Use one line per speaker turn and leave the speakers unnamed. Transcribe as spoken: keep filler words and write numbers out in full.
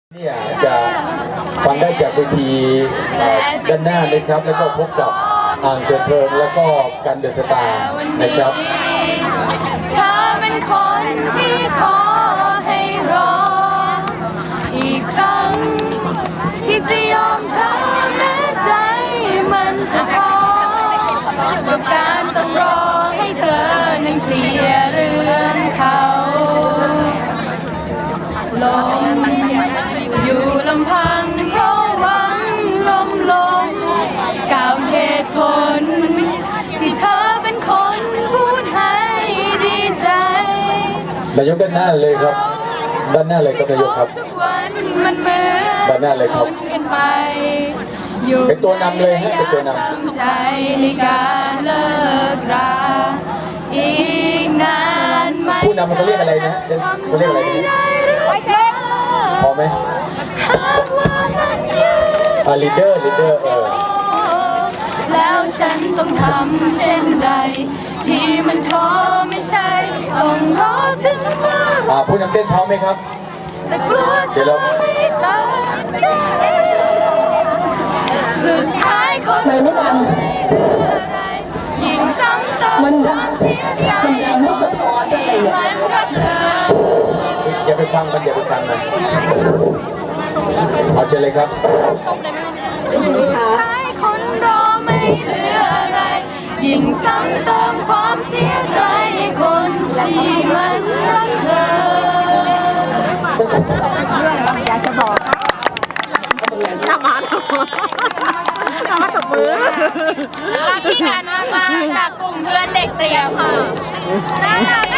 เนี่ยจะฟังได้จากเวทีด้านหน้านะครับแล้วก็พบกับอ่างเถิดเทิงแล้วก็กันเดอะสตาร์นะครับ
เธอเป็นคนที่ขอให้รออีกครั้งที่จะยอมเธอแม้ใจมันจะท้อกับการต้องรอให้เธอนั้นเคลียร์เรือนเขาลมอยู่ลำพังเพราะหวังลมลงกับเหตุผลที่เธอเป็นคนพูดให้ดีใจ
นายกด้านหน้าเลยครับด้านหน้าเลยครับนายกครับด้านหน้าเลยครับเป็นตัวนำเลยฮะเป็นตัวนำ
ใจในการเลิกราอีกนานไหม
ผู้นำมันเขาเรียกอะไรนะเขาเรียกอะไรนะพอไหมอ่าลีดเดอร์ลีดเดอร์เออ
แล้วฉันต้องทำเช่นไรที่มันท้อไม่ใช่ต้องรอถึงเมื่อ
อ่าผู้นำเต้นพร้อมไหมครับ
แต่กลัวเธอไม่ตัดใจสุดท้ายคน
ไม่ไม่ดัง
ยิ่งซ้ำเติม
มันดังมันดังไม่สะท้อนอะไรเลย
อย่าไปฟังมันอย่าไปฟังมันเอาเชิญเลยครับ
คนรอไม่เหลืออะไรยิ่งซ้ำเติมความเสียใจคนที่มันรักเธอ
อยากจะบอกทำมาทำมาทำมาตบมือ
รักที่งานมากๆจากกลุ่มเพื่อนเด็กเตรียมค่ะ